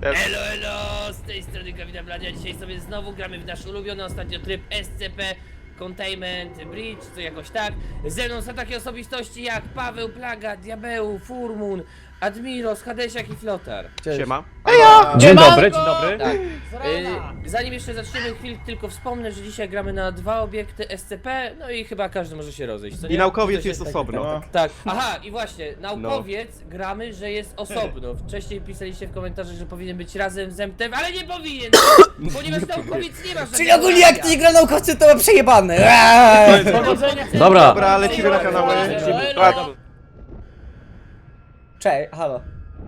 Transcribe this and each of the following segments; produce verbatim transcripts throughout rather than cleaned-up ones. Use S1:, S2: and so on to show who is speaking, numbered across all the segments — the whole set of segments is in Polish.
S1: Też.
S2: Elo, elo, z tej strony Kawida Bladzia. Dzisiaj sobie znowu gramy w nasz ulubiony ostatnio tryb S C P Containment Bridge, co jakoś tak. Ze mną są takie osobistości jak Paweł, Plaga, Diabeł, Furmun, Admiros, Hadesiak i Flotar.
S1: Siema.
S3: Dzień dobry, dzień dobry.
S2: Tak. Y, zanim jeszcze zaczniemy, chwil tylko wspomnę, że dzisiaj gramy na dwa obiekty S C P, no i chyba każdy może się rozejść, co nie?
S1: I naukowiec
S2: Ktoś
S1: jest
S2: taki-
S1: osobno.
S3: No.
S2: Tak, aha, i właśnie, naukowiec gramy, że jest osobno. Wcześniej pisaliście w komentarzach, że powinien być razem z M T F, ale nie powinien, ponieważ naukowiec nie ma żadnego
S3: Czyli ogólnie jak
S2: zdania.
S3: ty nie gra naukowcy, to ma przejebane. Eee!
S2: Dobra.
S1: Dobra, lecimy na kanały.
S2: Tak.
S3: Cześć, halo.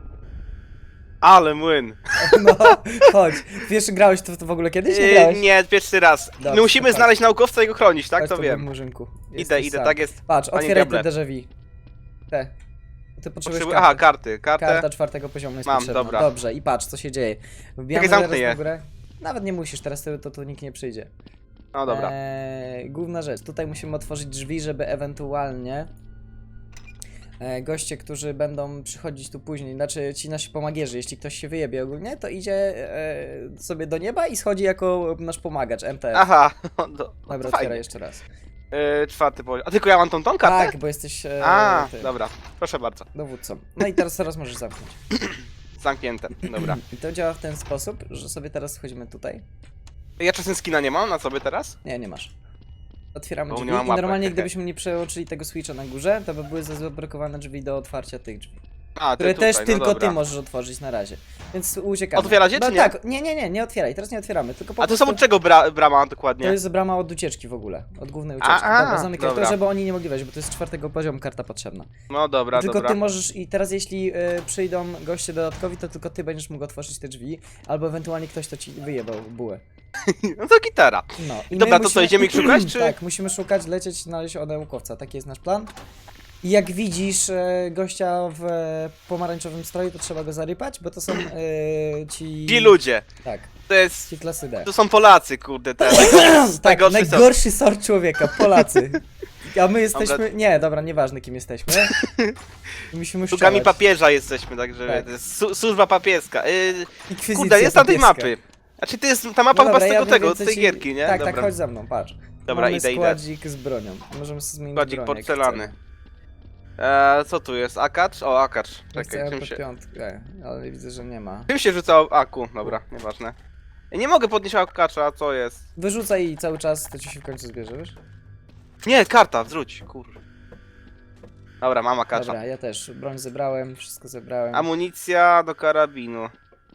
S1: Ale młyn.
S3: No, chodź. Pierwszy grałeś to, to w ogóle kiedyś? Nie
S1: Yy,
S3: grałeś?
S1: nie, pierwszy raz.
S3: Dobrze,
S1: My musimy
S3: to
S1: znaleźć naukowca i go chronić, tak?
S3: Chodź
S1: To
S3: tu,
S1: wiem.
S3: Murzynku.
S1: Idę,
S3: Jesteś
S1: idę,
S3: sam.
S1: tak jest.
S3: Patrz,
S1: Panie
S3: otwieraj te
S1: Diable.
S3: déjà vu. Te. Ty potrzebujesz
S1: Potrzebuję... Aha, karty, kartę.
S3: Karta czwartego poziomu jest
S1: Mam,
S3: potrzebna.
S1: dobra.
S3: Dobrze, i patrz, co się dzieje. Wbijamy
S1: Czekaj, zamknę
S3: zaraz
S1: je.
S3: na górę. Nawet nie musisz, teraz to, to, to nikt nie przyjdzie.
S1: No dobra.
S3: Eee, główna rzecz, tutaj musimy otworzyć drzwi, żeby ewentualnie e, goście, którzy będą przychodzić tu później, znaczy ci nasi pomagierzy, jeśli ktoś się wyjebie ogólnie, to idzie e, sobie do nieba i schodzi jako nasz pomagacz, M T F.
S1: Aha, no, no,
S3: Dobra,
S1: to
S3: otwieraj
S1: fajnie.
S3: jeszcze raz.
S1: Yy, czwarty poziom. A tylko ja mam tą tą kartę?
S3: Tak, bo jesteś e,
S1: A,
S3: ty,
S1: dobra. Proszę bardzo.
S3: dowódcą. No i teraz, teraz możesz zamknąć.
S1: Zamknięte. Dobra.
S3: I to działa w ten sposób, że sobie teraz wchodzimy tutaj.
S1: Ja czasem skina nie mam na sobie teraz?
S3: Nie, nie masz. Otwieramy
S1: Bo
S3: drzwi
S1: nie mam
S3: i
S1: łapek,
S3: normalnie
S1: okej.
S3: gdybyśmy nie przełączyli tego switcha na górze, to by były zablokowane drzwi do otwarcia tych drzwi.
S1: A, ty
S3: Które
S1: tutaj,
S3: też
S1: no
S3: tylko
S1: dobra.
S3: ty możesz otworzyć na razie. Więc uciekamy.
S1: Otwieracie,
S3: No
S1: czy nie?
S3: tak, nie, nie, nie, nie otwieraj, teraz nie otwieramy, tylko po
S1: A to
S3: prostu...
S1: są od czego bra brama dokładnie?
S3: To jest brama od ucieczki w ogóle, od głównej ucieczki.
S1: A, a,
S3: dobra, zamykaj
S1: dobra.
S3: to, żeby oni nie mogli wejść, bo to jest z czwartego poziomu karta potrzebna.
S1: No dobra,
S3: tylko
S1: dobra.
S3: ty możesz, i teraz jeśli y, przyjdą goście dodatkowi, to tylko ty będziesz mógł otworzyć te drzwi, albo ewentualnie ktoś, to ci wyjebał bułę.
S1: No to gitara.
S3: No. I
S1: Dobra,
S3: my
S1: to co, idziemy ich szukać, czy-
S3: Tak, musimy szukać, lecieć, znaleźć od naukowca, taki jest nasz plan. I jak widzisz e, gościa w e, pomarańczowym stroju, to trzeba go zarypać, bo to są e, ci...
S1: Ci ludzie.
S3: Tak,
S1: To jest...
S3: ci klasy D.
S1: To są Polacy, kurde, te.
S3: Tak,
S1: najgorszy sort.
S3: najgorszy sort człowieka, Polacy. A my jesteśmy... Nie, dobra, nieważne kim jesteśmy. Musimy
S1: Sługami
S3: strzelać.
S1: papieża jesteśmy, także
S3: Tak.
S1: to jest su służba papieska. Yy,
S3: Inkwizycja
S1: kurde, jest tam tej
S3: papieska.
S1: mapy. Znaczy to jest ta mapa
S3: No
S1: chyba
S3: dobra,
S1: z
S3: ja
S1: tego,
S3: wiem
S1: tego, z
S3: więcej
S1: tej
S3: ci-
S1: gierki, nie?
S3: Tak,
S1: Dobra.
S3: tak, chodź za mną, patrz.
S1: Dobra,
S3: Mamy
S1: idę, idę.
S3: składzik z bronią. Możemy sobie zmienić
S1: Składzik
S3: broń, jak
S1: porcelany.
S3: chcemy.
S1: Eee, co tu jest? Akacz? O, akacz.
S3: Ja
S1: Czekaj, czym
S3: chcę
S1: się...
S3: piątkę, ale widzę, że nie ma.
S1: Czym się rzucał? Aku, dobra, nieważne. Ja nie mogę podnieść akacza, co jest?
S3: Wyrzucaj i cały czas, to ci się w końcu zbierze, wiesz?
S1: Nie, karta, wróć, kur... Dobra, mam akacza.
S3: Dobra, ja też. Broń zebrałem, wszystko zebrałem.
S1: Amunicja do karabinu.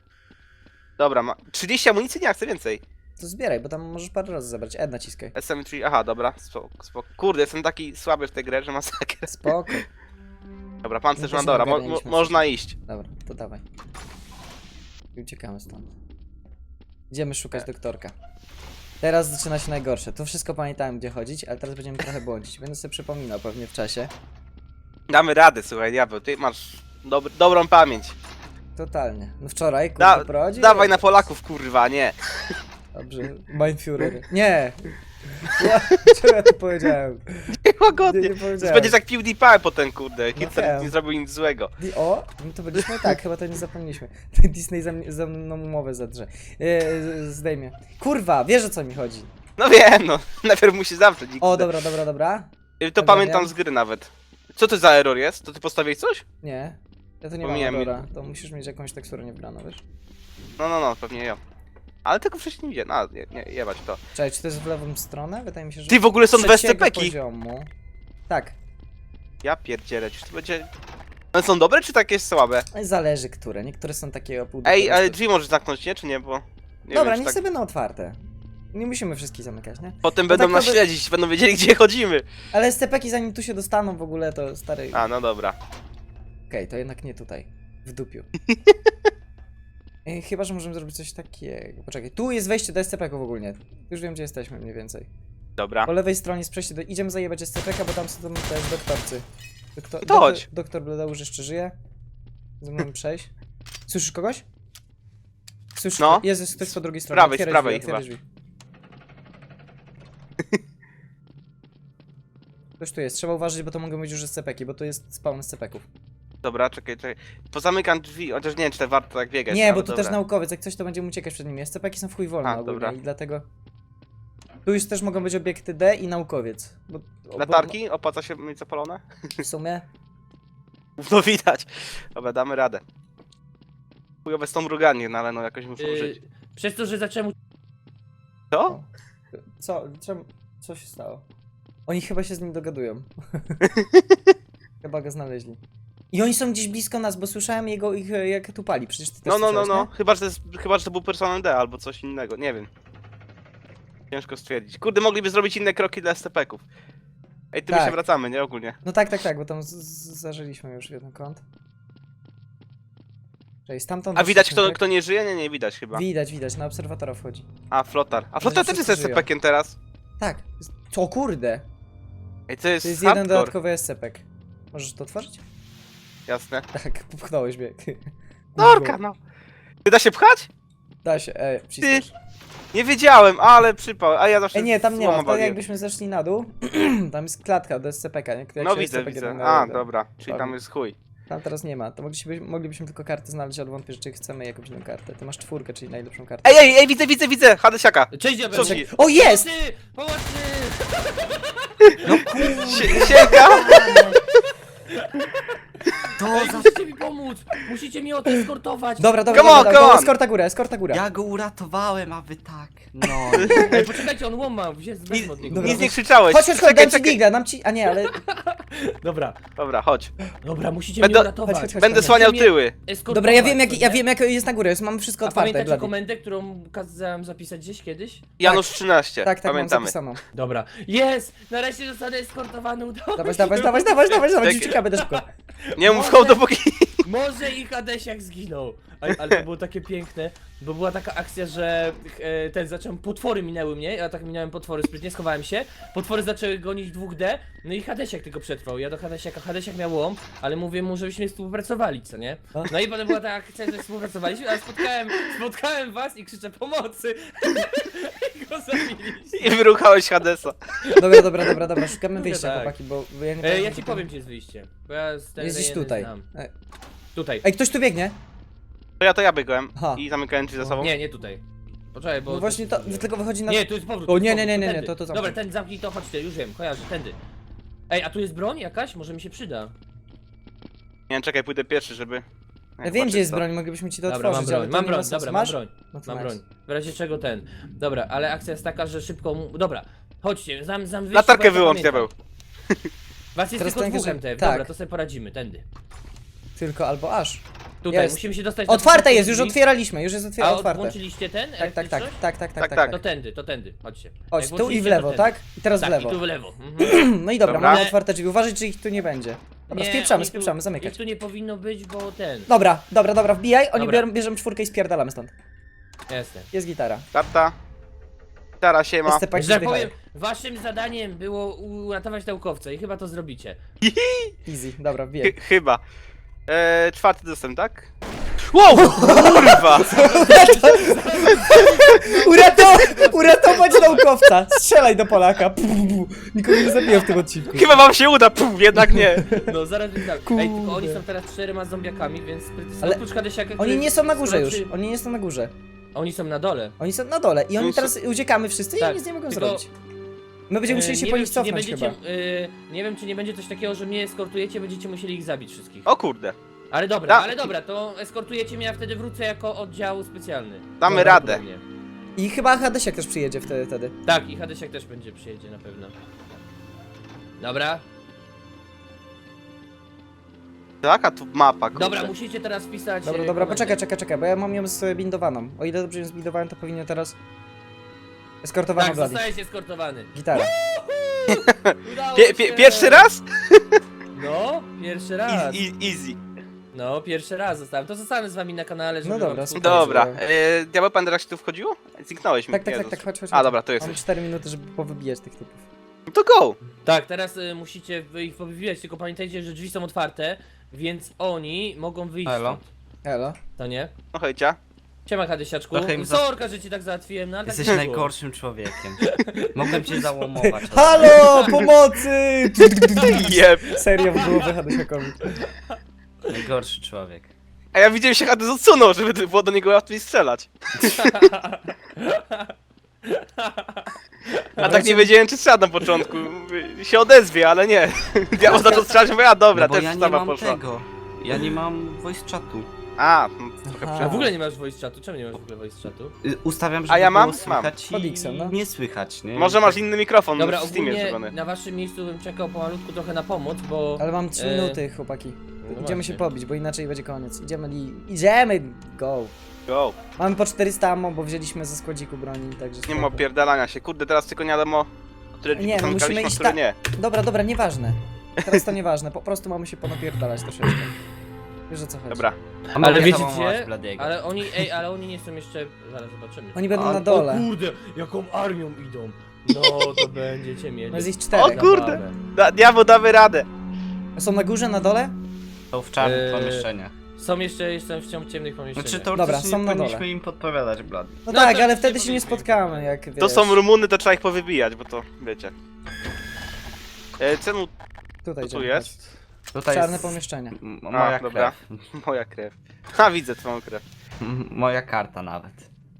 S1: Dobra, ma... trzydzieści amunicji? Nie, chcę więcej.
S3: To zbieraj, bo tam możesz parę razy zebrać. E, naciskaj.
S1: S M trzy, aha, dobra, spoko, spoko. Kurde, jestem taki słaby w tej grze, że masakra.
S3: Spoko.
S1: Dobra, pancerz
S3: No
S1: mam,
S3: to
S1: dobra, mo
S3: ogarnialiśmy
S1: mo można iść.
S3: Dobra, to dawaj. I uciekamy stąd. Idziemy szukać doktorka. Teraz zaczyna się najgorsze. To wszystko pamiętałem, gdzie chodzić, ale teraz będziemy trochę błądzić. Będę sobie przypominał pewnie w czasie.
S1: Damy radę, słuchaj, diabeł, ty masz dob dobrą pamięć.
S3: Totalnie. No wczoraj,
S1: Da
S3: kurde, prowadzi.
S1: dawaj na Polaków, kurwa, nie.
S3: Dobrze. Mindfury. Nie! Ja, czego ja to powiedziałem?
S1: Łagodnie.
S3: Nie, nie powiedziałem.
S1: Będziesz jak PewDiePie potem, kurde. Hitler
S3: wiem.
S1: nie zrobił nic złego.
S3: Di o, no to byliśmy tak, chyba to nie zapomnieliśmy. Disney za, mnie- za mną umowę zadrze. Yy, zdejmie. Kurwa, wiesz o co mi chodzi.
S1: No wiem, no. Najpierw musi zawrzeć.
S3: O, dobra, dobra, dobra.
S1: To
S3: Dobra,
S1: pamiętam
S3: wiem.
S1: z gry nawet. Co to za error jest? To ty postawiłeś coś?
S3: Nie. Ja to nie
S1: Pomijam
S3: mam
S1: mi-
S3: dobra. To musisz mieć jakąś teksturę niebraną, wiesz?
S1: No, no, no, pewnie ja. Ale tego wcześniej nie widziałem. No, nie, nie, jebać to.
S3: Czekaj, czy to jest w lewą stronę? Wydaje mi się, że...
S1: Ty, w ogóle są dwa
S3: trzeciego
S1: S C P ki.
S3: poziomu. Tak.
S1: Ja pierdzielę, czy to będzie... One są dobre, czy takie słabe?
S3: Zależy które. Niektóre są takie o pół do
S1: Ej,
S3: prostu.
S1: ale drzwi możesz zamknąć, nie? Czy nie? Bo... Nie
S3: Dobra,
S1: wiem, czy
S3: niech
S1: tak...
S3: sobie będą otwarte. Nie musimy wszystkich zamykać, nie?
S1: Potem
S3: No
S1: będą
S3: tak
S1: nas
S3: to by-
S1: śledzić, będą wiedzieli, gdzie chodzimy.
S3: Ale S C P ki zanim tu się dostaną w ogóle, to stary...
S1: A, no dobra.
S3: Okej, to jednak nie tutaj. W dupiu. Ej, chyba, że możemy zrobić coś takiego. Poczekaj, tu jest wejście do S C P ków ogólnie. Już wiem, gdzie jesteśmy mniej więcej.
S1: Dobra.
S3: Po lewej stronie jest przejście do... Idziemy zajebać S C P ka, bo tam są tam też doktorcy. Doktor...
S1: To chodź.
S3: Doktor, doktor Bledeusz jeszcze żyje. Ze mną przejść. Słyszysz kogoś? Słyszysz?
S1: No.
S3: Jest ktoś po drugiej stronie.
S1: prawej,
S3: Otwieraj
S1: z prawej
S3: drzwi, otwieraj drzwi. Ktoś tu jest, trzeba uważać, bo to mogą być już S C P ki, bo to jest spawn S C P ków.
S1: Dobra, czekaj, czekaj. Pozamykam drzwi, chociaż nie wiem, czy to warto tak biegać.
S3: Nie,
S1: ale
S3: bo tu
S1: dobra.
S3: też naukowiec, jak coś to będziemy uciekać przed nimi. S C P-ki są w chuj wolne
S1: A,
S3: ogólnie
S1: dobra.
S3: i dlatego... Tu już też mogą być obiekty D i naukowiec. Bo, bo-
S1: Latarki? Opłaca się mieć zapalone?
S3: W sumie...
S1: No widać. Dobra, damy radę. Chujowe z tą mruganiem, no ale no jakoś muszę użyć.
S2: Yy, przez to, że zacząłem
S1: Co?
S3: Co? Czemu? Co się stało? Oni chyba się z nim dogadują. Chyba go znaleźli. I oni są gdzieś blisko nas, bo słyszałem jego ich e, jak tu pali. Przecież ty też
S1: No, no, no,
S3: słyszałeś,
S1: no. Chyba, że to jest, chyba, że to był personel D albo coś innego, nie wiem. Ciężko stwierdzić. Kurde, mogliby zrobić inne kroki dla S C P-ków. Ej, tu my
S3: Tak.
S1: się wracamy, nie? Ogólnie.
S3: No tak, tak, tak, bo tam z- z- zażyliśmy już jeden kąt. Czyli stamtąd...
S1: A widać
S3: doszliśmy,
S1: kto,
S3: tak?
S1: kto nie żyje? Nie, nie widać chyba.
S3: Widać, widać, na obserwatora wchodzi.
S1: A, flotar. A flotar też jest
S3: wszyscy żyją.
S1: S C P-kiem teraz.
S3: Tak. O kurde!
S1: Ej, to jest,
S3: To jest jeden
S1: hardcore.
S3: dodatkowy S C P-ek. Możesz to otworzyć?
S1: Jasne.
S3: Tak, popchnąłeś mnie.
S1: Norka, no. Ty da się pchać?
S3: Da się, e, przyspiesz.
S1: Nie wiedziałem, ale przypał. A ja zawsze
S3: E, nie, tam nie ma,
S1: złamam
S3: wtedy
S1: waliłem.
S3: jakbyśmy zeszli na dół, tam jest klatka do S C P-ka, nie? Jak
S1: No
S3: się
S1: widzę,
S3: S C P
S1: widzę.
S3: kieruje
S1: A,
S3: na-
S1: dobra. Czyli tam
S3: Dobra.
S1: jest chuj.
S3: Tam teraz nie ma, to moglibyśmy, moglibyśmy tylko kartę znaleźć, ale wątpię, czy chcemy jakąś inną kartę. Ty masz czwórkę, czyli najlepszą kartę.
S1: Ej, ej, ej, widzę, widzę, widzę! Hadesiaka!
S2: Cześć, diabeł!
S1: Co ci?
S3: O, jest!
S2: Pomocy! Pomocy!
S1: Sie- Siemka!
S2: Ej, musicie mi pomóc! Musicie mi odeskortować!
S3: Dobra, dobra,
S1: Come on,
S3: dobra,
S1: come
S3: dobra,
S1: on!
S3: eskorta górę, eskorta górę.
S4: Ja go uratowałem, a wy tak. No.
S2: Ej, poczekajcie, on łoma, wziąć
S1: Nic,
S2: bez od niego.
S3: Dobra,
S1: nic nie
S3: weź-
S1: krzyczałeś.
S3: Chodź, chodź, chodź,
S1: Czekaj,
S3: dam ci
S1: czekaj.
S3: digla, dam ci... A nie, ale...
S2: Dobra,
S1: Dobra, chodź.
S2: dobra, musicie
S1: Będę-
S2: mnie uratować.
S3: Chodź, chodź, chodź.
S1: Będę
S3: chodź.
S1: słaniał
S2: mnie-
S1: tyły.
S2: Eskortować,
S3: Dobra, ja wiem, jak,
S2: co
S3: ja
S2: nie?
S3: wiem jak jest na górę, jest, mamy wszystko
S2: A
S3: otwarte,
S2: pamiętacie
S3: Blady.
S2: komendę, którą kazałem zapisać gdzieś kiedyś?
S1: Janusz trzynaście.
S3: Tak, tak, mam
S1: Pamiętamy.
S3: zapisaną.
S2: Dobra. Jest! Nareszcie zostanę eskortowany, udało
S3: Dawać,
S2: się.
S3: dawać, dawać, dawać, dawać, dawać,
S1: Czekaj.
S3: uciekamy, będę szybko.
S1: Nie mów
S2: Może-
S1: hołd dopóki...
S2: Może i Hadesiak zginął. Ale, ale to było takie piękne, bo była taka akcja, że e, ten zacząłem, potwory minęły mnie, ja tak minąłem potwory, sprytnie schowałem się, potwory zaczęły gonić dwóch D, no i Hadesiak tylko przetrwał, ja do Hadesiaka, Hadesiak miał łom, ale mówię mu, żebyśmy współpracowali, co nie? No i potem była ta akcja, że współpracowaliśmy, ale spotkałem, spotkałem was i krzyczę pomocy i go zabiliście.
S1: I wyruchałeś Hadesa.
S3: Dobra, dobra, dobra, dobra, szukamy
S2: Mówię
S3: wyjścia,
S2: tak.
S3: chłopaki, bo bo ja nie
S2: E,
S3: pamiętam,
S2: ja ci
S3: gdzie tam-
S2: powiem, gdzie jest wyjście, bo ja z tej
S3: Jest gdzieś
S2: rejony
S3: tutaj.
S2: znam.
S3: E,
S2: Tutaj.
S3: Ej, ktoś tu biegnie?
S1: To ja to ja biegłem
S3: Aha.
S1: i zamykałem drzwi za sobą.
S2: Nie, nie tutaj. Poczekaj, bo...
S3: No właśnie to, tylko wychodzi na...
S2: Nie, tu jest powrót.
S3: O,
S2: tu jest
S3: nie,
S2: powrót,
S3: nie, nie, nie,
S2: tędy.
S3: to- to zamknij.
S2: Dobra, ten zamknij to, chodź ty, już wiem, kojarzę, tędy. Ej, a tu jest broń jakaś? Może mi się przyda.
S1: Nie wiem, czekaj, pójdę pierwszy, żeby...
S3: Ja
S1: Nie,
S3: wiem,
S1: zobaczyć
S3: gdzie jest
S1: co.
S3: broń, moglibyśmy ci to
S2: Dobra, mam
S3: otworzyć, ale
S2: broń,
S3: to
S2: mam
S3: nie ma
S2: broń,
S3: sensu.
S2: dobra, mam
S3: Masz?
S2: broń.
S3: No to
S2: Mam
S3: nice.
S2: broń. W razie czego ten. Dobra, ale akcja jest taka, że szybko mu... Dobra, chodźcie, znam, znam wyjście,
S1: Latarkę
S2: bo ja to
S1: wyłącz,
S2: pamiętam.
S1: diabeł.
S2: Was jest
S3: Teraz
S2: tylko
S3: ten,
S2: dwóch
S3: że-
S2: M T F,
S3: tak.
S2: dobra, to sobie poradzimy, tędy.
S3: Tylko albo aż.
S2: Tutaj,
S3: Jest.
S2: musimy się dostać na
S3: Otwarte
S2: początek
S3: jest, już
S2: drzwi.
S3: otwieraliśmy, już jest
S2: A
S3: otwiera,
S2: od-
S3: otwarte.
S2: włączyliście ten?
S3: Tak, tak, tak,
S2: elektryczność?
S3: tak, tak, tak,
S1: Tak,
S3: tak,
S1: tak.
S2: To tędy, to tędy, chodźcie.
S3: Chodź,
S2: Jak
S3: tu i w
S2: włączyliście,
S3: lewo,
S2: to
S3: tak? I teraz
S2: Tak,
S3: w lewo.
S2: i tu w lewo. Mhm.
S3: No i dobra,
S1: Dobra.
S3: mamy otwarte drzwi, uważaj, czy ich tu nie będzie. Dobra,
S2: Nie,
S3: spieprzamy,
S2: oni tu-
S3: spieprzamy, zamykać.
S2: Ich tu nie powinno być, bo ten.
S3: Dobra, dobra, dobra, wbijaj, oni
S2: Dobra.
S3: biorą, bierzemy czwórkę i spierdalamy stąd.
S2: Jestem.
S3: Jest gitara.
S1: Karta. Gitara, siema.
S3: S C P
S2: Że tak
S3: zdychają.
S2: powiem, waszym zadaniem było uratować naukowca i chyba to zrobicie.
S3: Easy, dobra, wbijaj.
S1: Ch- Chyba. Eee, czwarty dostęp, tak? Wow! Kurwa!
S3: Uratować, uratować naukowca! Strzelaj do Polaka! Pu, pu, pu. Nikogo nie zabiję w tym odcinku.
S1: Chyba wam się uda, puf, jednak nie.
S2: No zaraz wyznam. Ej,
S3: Kurde.
S2: tylko oni są teraz czterema zombiakami, więc sprytny-
S3: Ale
S2: oprócz Hadesiaka,
S3: Oni
S2: który
S3: nie są na górze już,
S2: sroczy-
S3: oni nie są na górze.
S2: Oni są na dole.
S3: Oni są na dole i oni
S1: Oni są-
S3: teraz uciekamy wszyscy
S2: Tak,
S3: i nic nie mogą
S2: tylko-
S3: zrobić. My będziemy musieli
S2: E,
S3: się
S2: nie
S3: po
S2: wiem,
S3: nich
S2: czy nie
S3: cofnąć
S2: będziecie,
S3: chyba.
S2: e, nie wiem czy nie będzie coś takiego, że mnie eskortujecie, będziecie musieli ich zabić wszystkich.
S1: O kurde.
S2: Ale dobra,
S1: Da-
S2: ale dobra, to eskortujecie mnie, a wtedy wrócę jako oddział specjalny.
S1: Damy
S2: Dobra,
S1: radę.
S2: podobnie.
S3: I chyba Hadesiak też przyjedzie wtedy. wtedy.
S2: Tak, i Hadesiak też będzie przyjedzie na pewno. Dobra,
S1: Tak, a tu mapa, kurde.
S2: dobra, musicie teraz wpisać.
S3: Dobra,
S2: e,
S3: dobra,
S2: komendę.
S3: poczekaj, czekaj, czekaj, bo ja mam ją zbindowaną. O ile dobrze ją zbindowałem, to powinien teraz... Eskortowana
S2: Tak,
S3: Blady.
S2: zostajesz eskortowany.
S3: Gitara.
S2: Udało
S1: Pie, pie,
S2: się.
S1: pierwszy raz?
S2: No, pierwszy
S1: I,
S2: raz.
S1: i, easy.
S2: No, pierwszy raz zostałem. To zostanę z wami na kanale, żeby
S3: No dobra,
S2: wam
S3: super.
S2: współpracować.
S1: Dobra.
S3: Dobrze.
S1: Eee, Diabeł Pan się tu wchodziło? Zniknąłeś mi.
S3: Tak, tak, tak,
S1: Jezus.
S3: tak, chodź, chodź.
S1: A
S3: chodź.
S1: dobra, tu
S3: Mamy
S1: jesteś.
S3: cztery minuty, żeby powybijać tych typów.
S1: No to go!
S2: Tak, teraz y, musicie wy ich powywijać, tylko pamiętajcie, że drzwi są otwarte, więc oni mogą wyjść
S4: Elo.
S2: stąd.
S3: Elo.
S2: To nie?
S1: No hejcia.
S2: Siema Hadesiaczku.
S4: Trochę im za-
S2: Sorka, że ci tak załatwiłem, no ale
S4: Jesteś
S2: tak nie było.
S4: najgorszym człowiekiem. Mogłem cię załomować.
S3: Halo, pomocy!
S1: Jeb.
S3: Serio w głowę Hadesiakowi.
S4: Najgorszy człowiek.
S1: A ja widziałem się Hades odsunął, żeby było do niego łatwiej strzelać. A tak nie wiedziałem, czy strzela na początku. Mówię, się odezwie, ale nie. Diabeł zaczął strzelać, mówię, a dobra,
S4: No bo
S1: też
S4: ja nie
S1: sama
S4: mam
S1: poszła.
S4: tego. Ja nie mam voice chatu.
S1: A, no, trochę
S3: Aha.
S2: A
S1: przed...
S2: w ogóle nie masz voice chatu? Czemu nie masz w ogóle voice chatu?
S4: Y, Ustawiam, żeby
S1: A ja mam?
S4: było słychać
S3: Mam.
S4: i
S3: Podixem, no.
S4: nie słychać, nie?
S1: Może masz inny mikrofon
S2: Dobra,
S1: w Steamie
S2: ogólnie
S1: zrobiony.
S2: na waszym miejscu bym czekał pomalutku trochę na pomoc, bo...
S3: Ale mam trzy
S2: E,
S3: minuty, chłopaki.
S2: no
S3: Idziemy
S2: właśnie.
S3: się pobić, bo inaczej będzie koniec. Idziemy li... Idziemy! Go!
S1: Go.
S3: Mamy po czterysta ammo, bo wzięliśmy ze składziku broni, także
S1: Nie ma
S3: spoko.
S1: opierdalania się. Kurde, teraz tylko nie wiadomo, które drzwi
S3: Nie, no
S1: zamykaliśmy,
S3: musimy
S1: a
S3: iść
S1: które
S3: ta-
S1: nie.
S3: Dobra, dobra, nieważne. Teraz to nieważne, po prostu mamy się ponapierdalać troszeczkę. Wiesz o co chodzi.
S1: Dobra.
S4: A
S2: Ale
S4: mogę
S2: wiecie
S4: załamować
S2: gdzie?
S4: Bladiego.
S2: Ale oni, ej, ale oni nie są jeszcze... Zaraz zobaczymy.
S3: Oni będą
S4: A,
S3: na
S2: O
S3: dole.
S2: kurde, jaką armią idą. No, to będziecie mieli.
S3: No jest ich
S1: O
S3: czterech.
S1: kurde! Da, diabeł, damy radę.
S3: Są na górze, na dole?
S4: Są w czarnych
S2: Eee,
S4: pomieszczeniach.
S2: Są jeszcze, jestem w ciemnych pomieszczeniach.
S4: Znaczy to
S3: Dobra,
S4: też
S3: są
S4: nie
S3: na dole.
S4: powinniśmy im podpowiadać, Blady.
S3: No,
S2: No
S3: tak,
S2: to
S3: ale
S2: się
S3: wtedy się nie
S2: powiedzmy.
S3: spotkamy, jak wiesz.
S1: To są Rumuny, to trzeba ich powybijać, bo to wiecie. E, czemu
S3: Tutaj
S1: tu
S3: idziemy,
S1: jest?
S4: Tutaj
S3: Czarne
S4: jest
S3: pomieszczenie.
S4: m-
S1: A,
S4: moja
S1: dobra.
S4: krew.
S1: Moja krew. Ha, widzę twoją krew.
S4: M- Moja karta nawet.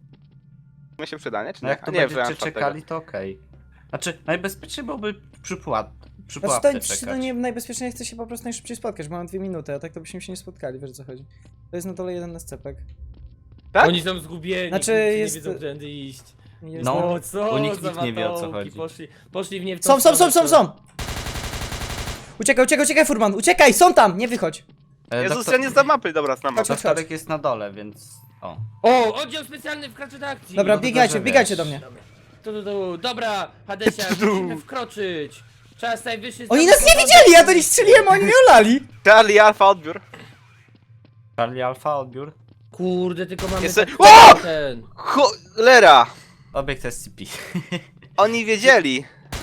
S1: My się przyda, nie? Czy
S4: No
S1: nie?
S4: jak to
S1: A nie,
S4: będziecie
S1: wziąłem czwartego.
S4: czekali, to okej. Znaczy, najbezpieczniej byłoby przy, pułap, przy
S3: Znaczy
S4: pułapce
S3: to,
S4: czekać.
S3: to nie najbezpieczniej, chcę się po prostu najszybciej spotkać, bo mamy dwie minuty, a tak to byśmy się nie spotkali, wiesz o co chodzi. To jest na dole jeden escepek.
S1: Tak?
S2: Oni są zgubieni,
S3: Znaczy,
S2: znaczy,
S3: jest-
S2: nie wiedzą, którędy iść.
S3: Jest
S4: No.
S2: No co
S4: u nich
S2: za
S4: nikt nie wie, o co
S2: matołki,
S4: chodzi.
S2: Poszli, poszli w nie w tą
S3: Są, są, są,
S2: stronę,
S3: są,
S2: co-
S3: są! Uciekaj, uciekaj, uciekaj, Furman, uciekaj, są tam, nie wychodź.
S4: E,
S1: Jezus,
S4: doktor-
S1: ja nie znam mapy, dobra, znam mapę.
S3: Chodź, chodź.
S4: Doktorek jest na dole, więc... O.
S2: O, oddział specjalny wkracza do akcji.
S3: Dobra,
S4: no to
S3: biegajcie,
S4: dobrze
S3: biegajcie
S4: wiesz.
S3: do mnie.
S2: Tu, tu, tu. Dobra, Hadesia, musimy wkroczyć. Czas najwyższy...
S3: Oni
S2: stąd
S3: nas nie
S2: porządek.
S3: widzieli, ja do nich strzeliłem, a oni mnie olali.
S1: Charlie, Alfa, odbiór.
S4: Charlie Alfa, odbiór.
S2: Kurde, tylko mamy...
S1: Jeszcze-
S2: tak-
S1: O!
S2: Ten...
S1: Cholera!
S4: Obiekt S C P.
S1: Oni wiedzieli.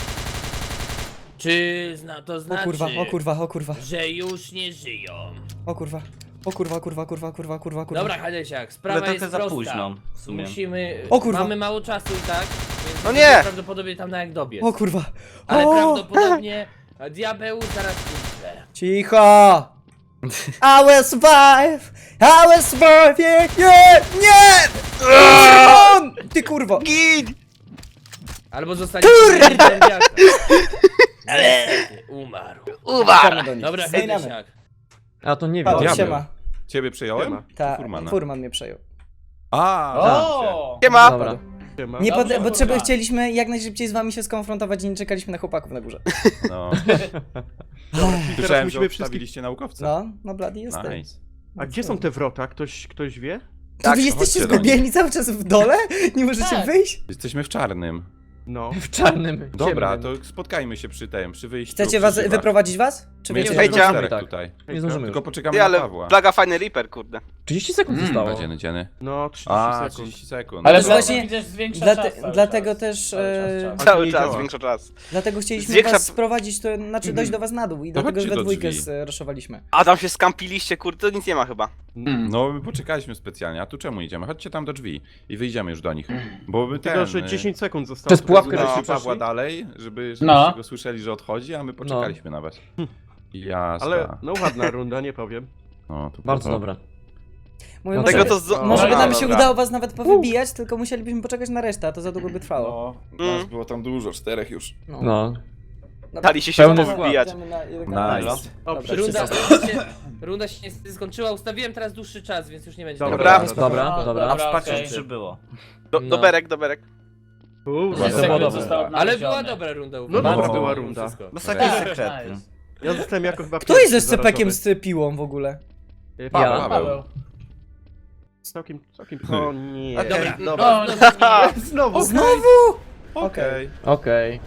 S2: Czy zna, to
S3: O
S2: znaczy,
S3: kurwa, o kurwa, o kurwa,
S2: że już nie żyją?
S3: o kurwa. O kurwa, kurwa, kurwa, kurwa, kurwa, kurwa.
S2: Dobra, Hadesiak,
S4: Ale
S2: sprawa
S4: trochę
S2: jest
S4: za
S2: prosta.
S4: późno, w sumie.
S2: Musimy...
S3: O kurwa.
S2: Mamy mało czasu i tak, więc
S1: No nie!
S2: prawdopodobnie tam na jak dobiec.
S3: O kurwa.
S2: Ale
S3: O!
S2: prawdopodobnie diabeł zaraz umrze.
S3: Cicho! I will survive! I will survive! Nie! Nie! Nie! Furman! Ty kurwo!
S1: Gid!
S2: Albo zostanie Ale umarł.
S1: Umarł!
S3: do nich.
S2: Dobra,
S3: Zmieniamy.
S2: Hadesiak.
S5: A to nie wiem.
S3: Paweł,
S5: Diabeł.
S3: siema.
S5: Ciebie przyjąłem?
S3: Ta,
S5: Czy Furmana?
S3: Furman mnie przejął.
S5: A,
S2: O!
S1: Siema!
S5: Dobra.
S3: Nie pod,
S2: Dobrze,
S3: bo trzeba,
S2: kurwa.
S3: chcieliśmy jak najszybciej z wami się skonfrontować i nie czekaliśmy na chłopaków na górze.
S5: No.
S6: Teraz
S5: Słyszałem, że
S6: musimy wszystkich...
S5: obstawiliście naukowca.
S3: No, no blady jestem.
S5: Nice.
S6: A gdzie są te wrota? Ktoś, ktoś wie?
S3: To
S1: Tak,
S3: wy jesteście
S5: chodźcie do
S3: zgubieni cały czas w dole? Nie możecie
S2: Tak.
S3: wyjść?
S5: Jesteśmy w czarnym.
S6: No.
S5: No
S2: W czarnym.
S5: Dobra, to spotkajmy się przy tym, przy wyjściu.
S3: Chcecie
S5: przy
S3: was,
S5: drzwiach.
S3: wyprowadzić was? Czy
S5: My
S3: wiecie?
S5: jesteśmy
S1: Hejcia.
S5: czterech
S7: Tak.
S5: tutaj.
S7: Nie zdążymy
S5: Tylko
S7: już.
S5: poczekamy
S1: Ty,
S5: na
S1: ale
S5: Pawła.
S1: plaga fajny Reaper, kurde.
S7: trzydzieści sekund
S5: Mm,
S7: zostało.
S5: Dzieny, dzieny.
S6: No, trzydzieści
S5: A,
S6: sekund.
S5: trzydzieści sekund.
S3: Ale
S7: Ale
S5: Dobra.
S3: właśnie-
S7: widzisz, zwiększa
S3: Dlate,
S7: czas cały
S3: dlatego
S7: czas.
S3: też,
S7: Cały czas,
S3: e,
S7: czas.
S6: A to
S1: Cały
S6: nie
S1: czas,
S6: działa.
S1: większo czas.
S3: dlatego chcieliśmy
S1: Zwiększa-
S3: was sprowadzić, to znaczy dojść do was na dół i
S5: To
S3: dlatego
S5: chodźcie
S3: we
S5: do
S3: dwójkę
S5: drzwi.
S3: zraszowaliśmy.
S1: A tam się skampiliście, kurde, to nic nie ma chyba.
S5: No, my poczekaliśmy specjalnie, a tu czemu idziemy? Chodźcie tam do drzwi i wyjdziemy już do nich. Bo my ten...
S6: Tylko, że
S5: y,
S6: dziesięć sekund zostało.
S7: Przez pułapkę
S6: Teraz
S5: Udaliśmy
S6: żeśmy
S5: Pawła
S6: przeszli.
S5: dalej, żeby, żebyście
S7: No.
S5: go słyszeli, że odchodzi, a my poczekaliśmy na was. Jasne.
S6: Ale no ładna runda, nie powiem.
S5: No, to
S7: Bardzo
S5: było.
S7: dobra.
S3: Mówię,
S7: No
S3: może,
S1: Tego to z...
S3: może by
S1: A,
S3: nam się
S1: dobra.
S3: udało was nawet powybijać, tylko musielibyśmy poczekać na resztę, a to za długo by trwało.
S5: No,
S1: Mm.
S5: nas było tam dużo, czterech już.
S3: No.
S7: No.
S3: Dobra.
S1: Dali się się
S7: Pełny
S1: powybijać.
S3: Idziemy na jeden kanał.
S5: Nice.
S6: O,
S3: Dobra,
S2: Runda,
S6: wszyscy.
S2: runda, się, runda się niestety skończyła. Ustawiłem teraz dłuższy czas, więc już nie będzie.
S6: Dobra.
S1: Dobra.
S6: Dobra.
S7: Dobra,
S4: A
S7: dobra.
S4: w pacie
S7: okej.
S4: trzy było.
S1: Do,
S2: No.
S1: Doberek, doberek.
S6: Uuu,
S5: Dobra.
S7: Sekund
S6: dobra.
S7: zostało
S2: Ale była dobra runda.
S6: No
S2: uważam.
S6: dobra
S5: No.
S6: była runda.
S2: Wszystko.
S4: Bo taki
S7: Tak,
S4: sekretny.
S7: nice.
S6: Ja zostałem jako chyba
S3: Kto jest ze
S6: pierwszy
S3: scepekiem
S6: zarażony.
S3: z piłą w ogóle?
S6: E,
S5: Paweł.
S7: Ja.
S5: Paweł.
S6: Całkiem, całkiem... O nie.
S4: Okej.
S2: Dobra,
S6: Dobra.
S2: dobra.
S6: Znowu.
S3: Znowu?
S5: Okej.
S7: Okej.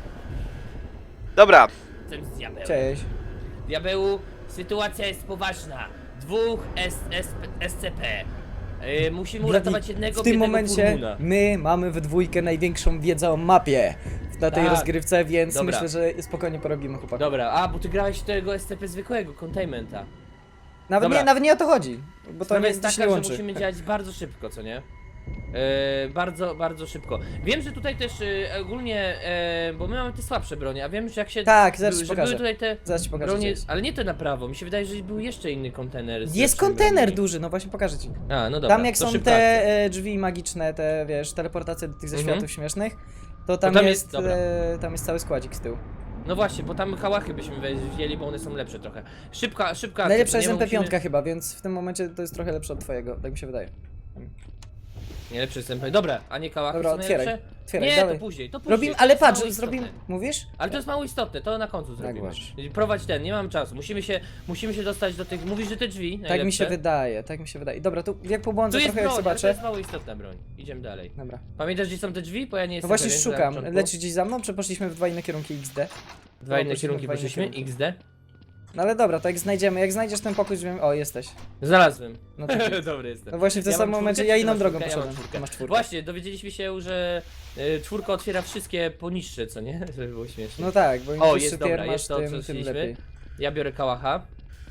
S1: Dobra,
S2: Jestem z diabełem.
S3: Cześć.
S2: Diabełu, sytuacja jest poważna. Dwóch S, S, S C P. Yy, musimy uratować jednego
S3: W tym
S2: biednego
S3: momencie
S2: furmuna.
S3: my mamy we dwójkę największą wiedzę o mapie na tej
S2: Tak.
S3: rozgrywce, więc
S2: Dobra.
S3: myślę, że spokojnie porobimy chłopaki.
S2: Dobra, a bo ty grałeś tego S C P zwykłego, containmenta.
S3: Nawet
S2: Dobra.
S3: nie, nawet nie o to chodzi, bo to
S2: Sprawa
S3: nie,
S2: jest
S3: to się
S2: taka,
S3: nie
S2: że
S3: łączy.
S2: musimy działać bardzo szybko, co nie? E, bardzo, bardzo szybko. Wiem, że tutaj też e, ogólnie, e, bo my mamy te słabsze bronie, a wiem, że jak się...
S3: Tak, zaraz ci
S2: że były
S3: pokażę.
S2: tutaj te
S3: Zaraz ci pokażę,
S2: bronie,
S3: gdzie jest.
S2: ale nie to na prawo, mi się wydaje, że był jeszcze inny kontener. z
S3: Jest
S2: lepszymi
S3: kontener
S2: broniami.
S3: duży, no właśnie pokażę ci.
S2: A, no dobra,
S3: Tam jak
S2: to
S3: są
S2: szybka
S3: te
S2: akcja.
S3: e, drzwi magiczne, te wiesz, teleportacje do tych ze
S2: Mhm.
S3: światów śmiesznych, to tam,
S2: tam
S3: jest,
S2: jest- dobra.
S3: e, tam jest cały składzik z tyłu.
S2: No właśnie, bo tam kałachy byśmy wzięli, bo one są lepsze trochę. Szybka, szybka akcja,
S3: Najlepsza
S2: co
S3: jest
S2: nie,
S3: M
S2: bo
S3: P pięć
S2: musimy-
S3: chyba, więc w tym momencie to jest trochę lepsze od twojego, tak mi się wydaje.
S2: Nie, lepszy jest M P. Dobra, a nie kałachy
S3: Dobra,
S2: są
S3: otwieraj,
S2: najlepsze?
S3: otwieraj,
S2: Nie,
S3: dalej.
S2: to później, to później.
S3: Robimy,
S2: to
S3: ale
S2: jest
S3: patrz,
S2: mało
S3: zrobimy,
S2: istotne.
S3: mówisz?
S2: Ale to jest mało istotne, to na końcu zrobimy.
S3: uważasz.
S2: Prowadź ten, nie mam czasu. Musimy się, musimy się dostać do tych. Mówisz, że te drzwi.
S3: Tak mi
S2: najlepsze.
S3: się wydaje, tak mi się wydaje. Dobra, tu jak
S2: Tu
S3: pobłądzę
S2: jest
S3: trochę, jak
S2: broń, ale to
S3: zobaczę.
S2: jest mało istotna broń. Idziemy dalej.
S3: Dobra.
S2: Pamiętasz, gdzie są te drzwi? Bo ja nie
S3: No
S2: jestem
S3: właśnie
S2: pewien,
S3: szukam,
S2: na początku.
S3: lecisz gdzieś za mną, czy poszliśmy w dwa inne kierunki X D?
S2: Dwa inne
S3: poszliśmy
S2: kierunki
S3: w dwa inne
S2: poszliśmy,
S3: kierunki.
S2: X D.
S3: No ale dobra, to jak znajdziemy, jak znajdziesz ten pokój, drzwi... O, jesteś.
S2: Znalazłem.
S3: No to
S2: Dobry jestem.
S3: No właśnie w tym
S2: Ja mam
S3: samym momencie
S2: czwórkę,
S3: ja
S2: czy ty
S3: inną
S2: masz
S3: drogą
S2: czwórkę? Ja mam
S3: poszedłem.
S2: czwórkę.
S3: Ty masz czwórkę.
S2: Właśnie, dowiedzieliśmy się, że y, czwórka otwiera wszystkie poniższe, co nie? Żeby było śmiesznie.
S3: No tak, bo im
S2: O,
S3: wyższy
S2: jest
S3: tier
S2: dobra,
S3: masz,
S2: jest to, co
S3: tym, tym
S2: chcieliśmy.
S3: lepiej.
S2: Ja biorę kałacha.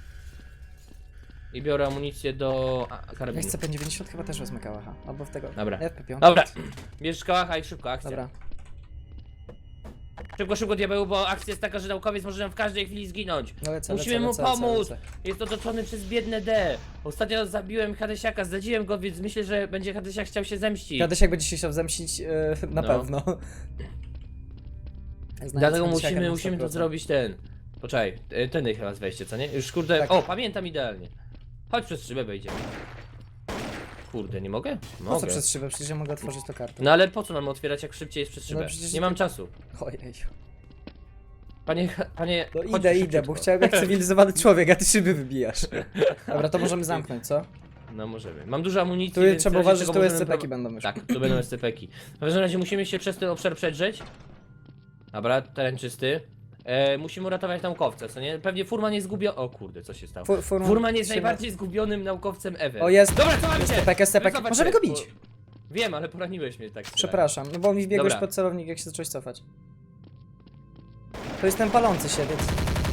S2: I biorę amunicję do a,
S3: Jak
S2: karabinu.
S3: chcę P dziewięćdziesiąt chyba też wezmę kałacha, albo w tego.
S2: Dobra.
S3: Nie, w P pięć.
S2: Dobra, bierzesz kałacha i szybko, akcja.
S3: Dobra.
S2: Szybko, szybko diabeł, bo akcja jest taka, że naukowiec może nam w każdej chwili zginąć.
S3: No lecę,
S2: Musimy
S3: lecę,
S2: mu
S3: lecę, lecę,
S2: pomóc!
S3: lecę.
S2: Jest otoczony przez biedne D. Ostatnio zabiłem Hadesiaka, zdradziłem go, więc myślę, że będzie Hadesiak chciał się zemścić.
S3: Kadesiak będzie się chciał zemścić, e, na
S2: No.
S3: pewno. Jak znajdę
S2: Dlatego
S3: Hadesiaka
S2: musimy,
S3: na
S2: musimy to
S3: sto procent.
S2: zrobić ten. Poczekaj, y, tędy chyba wejście, co nie? Już kurde.
S3: Tak.
S2: O, pamiętam idealnie. Chodź przez szybę wejdziemy. Kurde, nie mogę?
S3: Po
S2: Mogę.
S3: co przez szybę? Przecież ja mogę otworzyć to kartę.
S2: No ale po co mamy otwierać, jak szybciej jest przez
S3: No
S2: szybę?
S3: przecież
S2: nie
S3: i
S2: mam
S3: tak-
S2: czasu.
S3: Ojej.
S2: Panie, panie.
S3: No
S2: chodź
S3: idę,
S2: szybciutko.
S3: idę, bo chciałem jak cywilizowany człowiek, a ty szyby wybijasz. Dobra, to możemy zamknąć, co?
S2: No możemy. Mam dużo amunicji.
S3: Tu
S2: więc
S3: trzeba
S2: w razie
S3: uważać, że
S2: czego
S3: tu
S2: możemy
S3: S C P ki
S2: prowa-
S3: będą już.
S2: Tak, tu będą S C P ki. W każdym razie musimy się przez ten obszar przedrzeć. Dobra, teren czysty. E, musimy uratować naukowca, co nie? Pewnie Furman jest zgubiony. O kurde, co się stało?
S3: Fu- Furman
S2: Furman jest
S3: się-
S2: najbardziej zgubionym naukowcem ever.
S3: O, jest.
S2: Dobra, co mam
S3: S
S2: cię?
S3: C P K, S C P K.
S2: Wycofać
S3: Możemy
S2: się,
S3: go bić.
S2: bo- Wiem, ale poraniłeś mnie tak. strzelając.
S3: Przepraszam, no bo mi wbiegłeś
S2: Dobra.
S3: pod celownik, jak się zacząłeś cofać. To jest ten palący się, więc...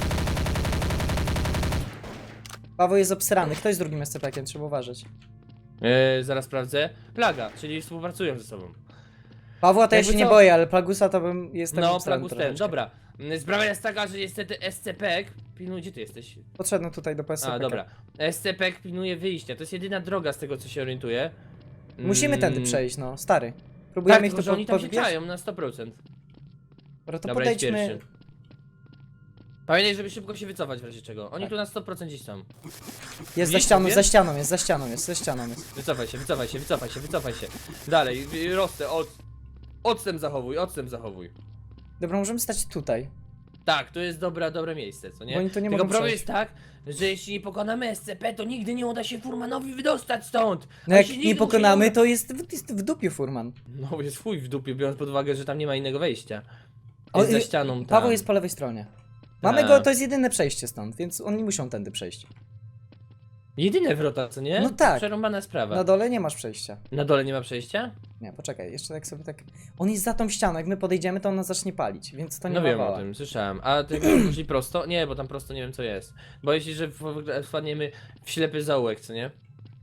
S3: Paweł jest obsrany, kto jest drugim S C P kiem, trzeba uważać.
S2: E, zaraz sprawdzę. Plaga, czyli współpracują ze sobą.
S3: Pawła to ja
S2: Jakby
S3: się nie
S2: co-
S3: boję, ale Plagusa to bym... jestem
S2: No,
S3: obsrany
S2: Plagus ten,
S3: troszeczkę.
S2: dobra. Mm, Sprawa jest taka, że niestety S C P pilnuje, gdzie ty jesteś?
S3: Podszedłem tutaj do P S C P K.
S2: A, dobra. S C P pilnuje wyjścia, to jest jedyna droga z tego, co się orientuję.
S3: Musimy tędy
S2: Mm,
S3: przejść, no, stary.
S2: Tak,
S3: Próbujemy ich
S2: tylko
S3: tu
S2: że oni tam się
S3: podbić.
S2: czają na sto procent.
S3: Dobra, to
S2: Dobra, jest
S3: podejdźmy...
S2: pierwszy. Pamiętaj, żeby szybko się wycofać w razie czego. Oni
S3: Tak.
S2: tu na sto procent gdzieś są.
S3: Jest za
S2: Widzisz,
S3: ścianą,
S2: mówię?
S3: za ścianą jest, za ścianą jest, za ścianą jest.
S2: Wycofaj się, wycofaj się, wycofaj się, wycofaj się. Dalej, y, rostę, od... Odstęp zachowuj, odstęp zachowuj.
S3: Dobra, możemy stać tutaj.
S2: Tak, to jest dobra, dobre miejsce, co nie?
S3: Bo oni tu nie
S2: Tylko
S3: mogą
S2: problem
S3: przejść.
S2: jest tak, że jeśli nie pokonamy S C P, to nigdy nie uda się Furmanowi wydostać stąd.
S3: No
S2: A
S3: jak
S2: jeśli
S3: nie
S2: nigdy mu się
S3: pokonamy,
S2: uda-
S3: to jest w, jest w dupie Furman.
S2: No jest chuj w dupie, biorąc pod uwagę, że tam nie ma innego wejścia.
S3: O,
S2: Jest za
S3: y,
S2: ścianą tam.
S3: Paweł jest po lewej stronie. Mamy
S2: Tak.
S3: go, to jest jedyne przejście stąd, więc oni muszą tędy przejść.
S2: Jedyne wrota, co nie?
S3: No tak.
S2: Przerąbana sprawa.
S3: Na dole nie masz przejścia.
S2: Na dole nie ma przejścia?
S3: Nie, poczekaj, jeszcze tak sobie tak... On jest za tą ścianą, jak my podejdziemy, to on nas zacznie palić, więc to nie
S2: No
S3: ma
S2: wiem
S3: wała.
S2: o tym, słyszałem. A ty poszli prosto? Nie, bo tam prosto nie wiem co jest. Boję się, że w- w- wpadniemy w ślepy zaułek, co nie?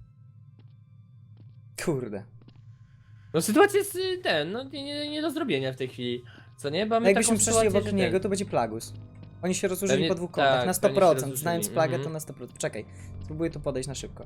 S3: Kurde.
S2: No sytuacja jest y, ten, no nie, nie, nie do zrobienia w tej chwili. Co nie? Bo
S3: No
S2: mamy
S3: jakbyśmy
S2: taką
S3: przeszli
S2: sytuację,
S3: obok
S2: że
S3: niego,
S2: ten-
S3: to będzie Plagus. Oni się rozłożyli
S2: Pewnie-
S3: po dwóch kątach,
S2: tak,
S3: na sto
S2: pewnie się
S3: procent.
S2: rozłożyli,
S3: Znając plagę,
S2: mhm.
S3: to na sto procent. Czekaj, spróbuję tu podejść na szybko.